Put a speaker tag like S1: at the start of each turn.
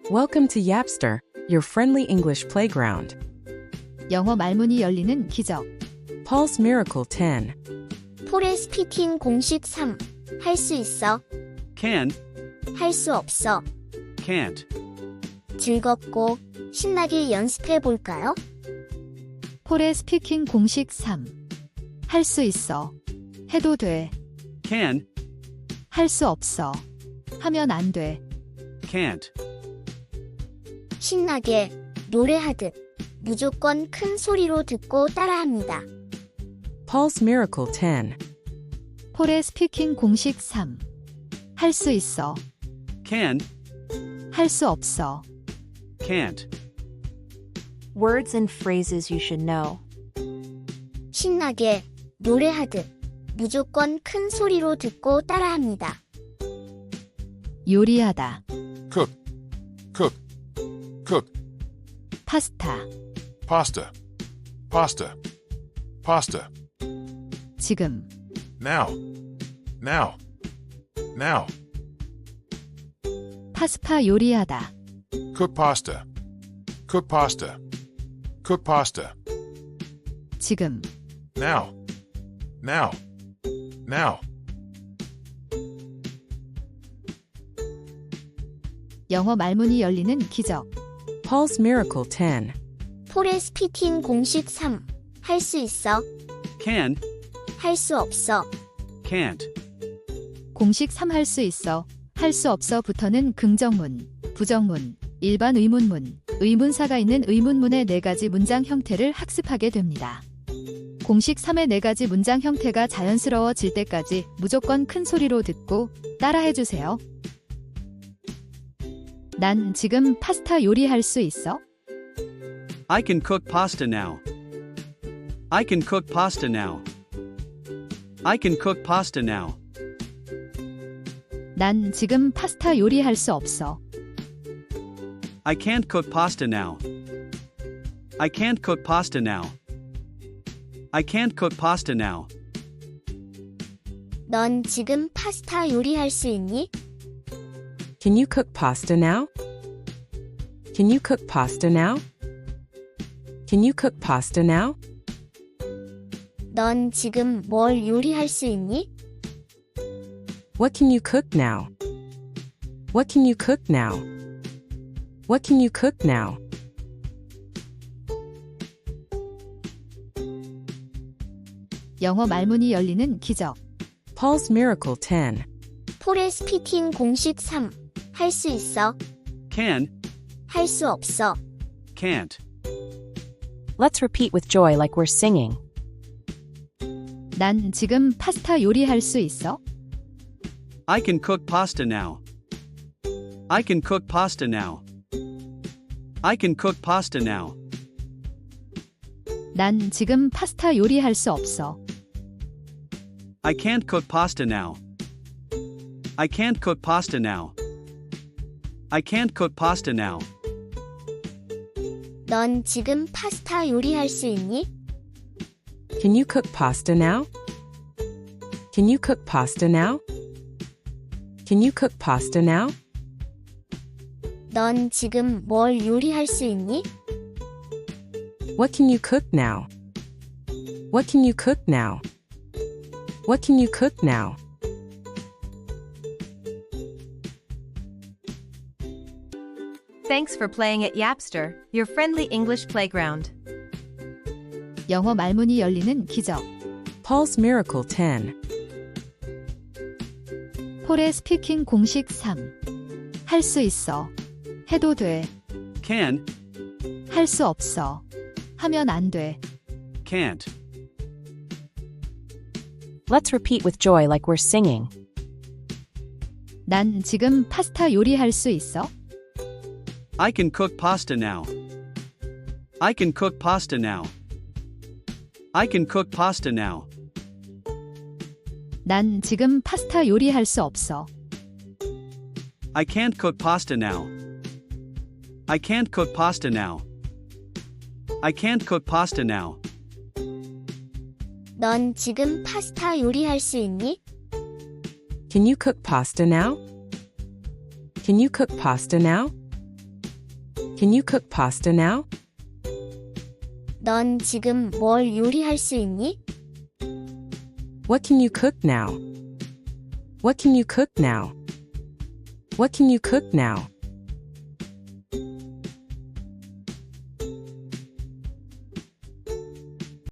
S1: Welcome to Yapster, your friendly English playground.
S2: 영어 말문이 열리는 기적.
S1: Pulse Miracle 10.
S3: 폴의 스피킹 공식 3. 할 수 있어.
S4: Can,
S3: 할 수 없어.
S4: can't.
S3: 즐겁고 신나게 연습해 볼까요?
S2: 폴의 스피킹 공식 3. 할 수 있어. 해도 돼.
S4: Can,
S2: 할 수 없어. 하면 안 돼.
S4: can't.
S3: 신나게 노래하듯 무조건 큰 소리로 듣고 따라합니다.
S1: Pulse Miracle 10.
S2: 폴의 스피킹 공식 3. 할 수 있어.
S4: Can,
S2: 할 수 없어.
S4: can't.
S5: Words and phrases you should know.
S3: 신나게 노래하듯 무조건 큰 소리로 듣고 따라합니다.
S2: 요리하다.
S6: cook, cook, cook,
S2: 파스타.
S6: pasta, pasta, pasta,
S2: 지금.
S6: now, now, now,
S2: 파스타 요리하다.
S6: cook pasta, cook pasta, cook pasta,
S2: 지금.
S6: now, now, now,
S2: 영어 말문이 열리는 기적.
S1: Pulse Miracle 10.
S3: 폴의 스피킹 공식 3. 할 수 있어.
S4: Can,
S3: 할 수 없어.
S4: can't.
S2: 공식 3 할 수 있어. 할 수 없어부터는 긍정문, 부정문, 일반 의문문, 의문사가 있는 의문문의 4가지 문장 형태를 학습하게 됩니다. 공식 3의 4가지 문장 형태가 자연스러워질 때까지 무조건 큰 소리로 듣고 따라해주세요. 난 지금 파스타 요리할 수 있어?
S4: I can cook pasta now. I can cook pasta now. I can cook pasta now.
S2: 난 지금 파스타 요리할 수 없어.
S4: I can't cook pasta now. I can't cook pasta now. I can't cook pasta now.
S3: 넌 지금 파스타 요리할 수 있니?
S1: Can you cook pasta now? Can you cook pasta now? Can you cook pasta now?
S3: 넌 지금 뭘 요리할 수 있니?
S1: What can you cook now? What can you cook now? What can you cook now?
S2: 영어 말문이 열리는 기적.
S1: Pulse Miracle 10.
S3: 폴의 스피킹 공식 3. 할 수 있어.
S4: Can,
S3: 할 수 없어.
S4: can't.
S5: Let's repeat with joy like we're singing.
S2: 난 지금 파스타 요리할 수 있어?
S4: I can cook pasta now. I can cook pasta now. I can cook pasta now.
S2: 난 지금 파스타 요리할 수 없어.
S4: I can't cook pasta now. I can't cook pasta now. I can't cook pasta now.
S3: 넌 지금 파스타 요리할 수 있니?
S1: Can you cook pasta now? Can you cook pasta now? Can you cook pasta now?
S3: 넌 지금 뭘 요리할 수 있니?
S1: What can you cook now? What can you cook now? What can you cook now?
S7: Thanks for playing at Yapster, your friendly English playground.
S2: 영어 말문이 열리는 기적.
S1: Pulse Miracle 10.
S2: 폴의 스피킹 공식 3. 할 수 있어. 해도 돼.
S4: Can,
S2: 할 수 없어. 하면 안 돼.
S4: can't.
S5: Let's repeat with joy like we're singing.
S2: 난 지금 파스타 요리할 수 있어?
S4: I can cook pasta now. I can cook pasta now. I can cook pasta now.
S2: 난 지금 파스타 요리할 수 없어.
S4: I can't cook pasta now. I can't cook pasta now. I can't cook pasta now.
S3: 넌 지금 파스타 요리할 수 있니?
S1: Can you cook pasta now? Can you cook pasta now? Can you cook pasta now?
S3: 넌 지금 뭘 요리할 수 있니?
S1: What can you cook now? What can you cook now? What can you cook now?